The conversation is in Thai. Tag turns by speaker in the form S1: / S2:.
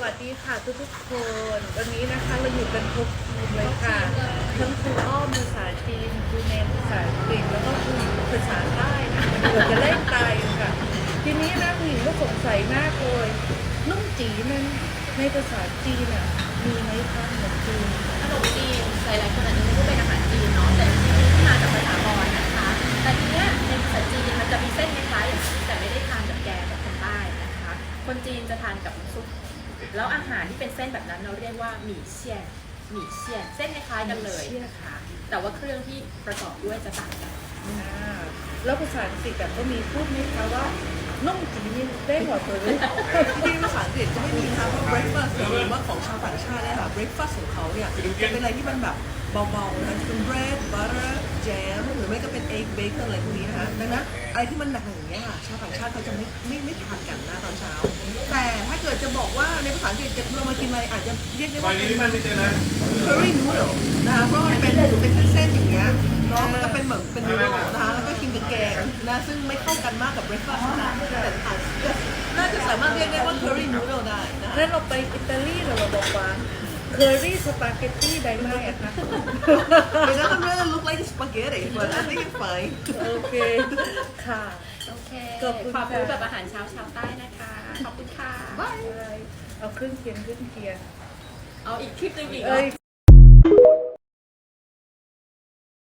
S1: วัสดีค่ะทุกคน วันนี้นะคะเราอยู่กันครบทีมเลยค่ะ ทั้งครูอ้อมภาษาจีนครูแนนภาษาอังกฤษแล้วก็ครูหญิงภาษาใต้นะเราจะเล่นตายค่ะ ทีนี้นะครูหญิงก็สงสัยมากเลยนุ่มจีนั้นในภาษาจีนอ่ะมีไหมคะขนมจีน
S2: ขนมจีนหลายๆคนอาจจะไม่รู้เป็นอาหารจีนเนาะแต่จริงๆที่มาจากภาษามอญนะคะ แต่ทีเนี้ยในภาษาจีนมันจะมีเส้นคล้ายๆอย่างนี้แต่ไม่ได้ทานกับแกงแบบคนใต้นะคะ คนจีนจะทานกับน้ำซุปแล้วอาหารที่เป็นเส้นแบบนั้นเราเรียกว่าหมี่เชี่ยนหมี่เชี่ยนเส้นคล้ายๆกันเลยนะคะแต่ว่าเครื่องที่ประกอบด้วยจะต่างกัน
S1: แล้วภาษาอังกฤษแบบก็มีพูดไหมคะว่านุ่มจีนนี่ได้หมดเลย
S3: ที่ภาษาอังกฤษจะไม่มีนะคะเพราะ breakfast หรือว่าของชาวต่างชาติเนี่ยค่ะ breakfast ของเขาเนี่ยจะเป็นอะไรที่มันแบบเบาๆนะคะจะเป็น bread butter jam หรือไม่ก็เป็น egg bacon อะไรพวกนี้นะคะดังนั้นอะไรที่มันหนักอย่างเงี้ยค่ะชาวต่างชาติเขาจะไม่ทานกันนะตอนเช้า แต่ถ้าเกิดจะบอกว่าในภาษาอังกฤษจะเรามากินอะไรอาจจะเรียกได้ว่าเป็น curry noodle นะคะเพราะมันเป็นเส้นอย่างเงี้ยเนาะมันก็เป็นเหมือนเป็น noodle นะคะแล้วก็กินกับแกงนะซึ่งไม่เข้ากันมากกับ breakfast นะแต่น่าจะสามารถเรียกได้ว่า curry noodle ได้นะคะ
S1: แล้วเราไปอิตาลีเราบอกว่าเคอรี่สปาเกตตี้ได้ไหมอะคะ
S3: It doesn't really look like spaghetti but I think it's fine
S1: โอเค ค่ะ
S2: โอเค
S1: ขอบคุณ
S2: ความรู้
S1: ค่ะ
S2: แบบอาหารเช้าชาวใต้นะคะ ขอบคุณค่ะ
S1: เอาเครื่องเคียง
S2: เอาอีกคลิปหนึงอีกเหร
S1: เอ้
S2: อ
S1: ย